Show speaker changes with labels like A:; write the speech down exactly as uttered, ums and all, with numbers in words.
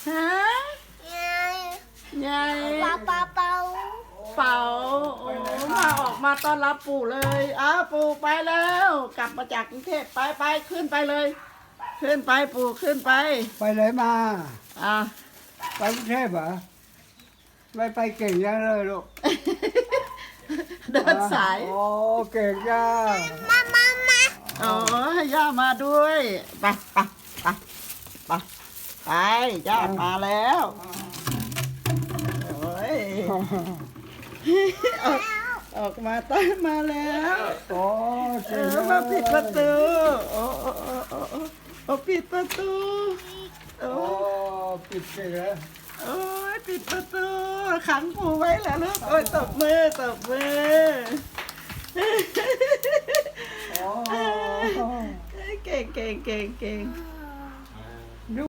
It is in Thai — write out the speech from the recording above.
A: ฮะยาย
B: เป่าเป่าเป่า
A: เป่าโอ้มาออกมาต้อนรับปู่เลยอ้าวปู่ไปแล้ว กลับมาจากกรุงเทพไปไปขึ้นไปเลย ขึ้นไปปู่ขึ้นไป
C: ไปไหนมา
A: อ่ะ
C: ไปกรุงเทพเหรอไม่ไปเก่งยังเลยลูก
A: เดินสาย
C: โอ้เก่งจัง
B: มามามา
A: อ๋อให้ย่ามาด้วยไปไปไปไปไปย่ามาแล้วโอ้ยออกออกมาต้อนมาแล้ว
C: โอ้
A: เอ
C: เก่ง
A: อ
C: จัง
A: มาปิดประตูโอ้โอ้โอ้โอ้โอ้โอ้ปิดประตูโอ้
C: โอ้ปิดเก่งแล้ว
A: โอ้ยปิดประตูขังปู่ไว้แล้วลูกโอ้ยตบมือตบมือ
C: โอ้
A: เก่งเก่งเก่งเก่ง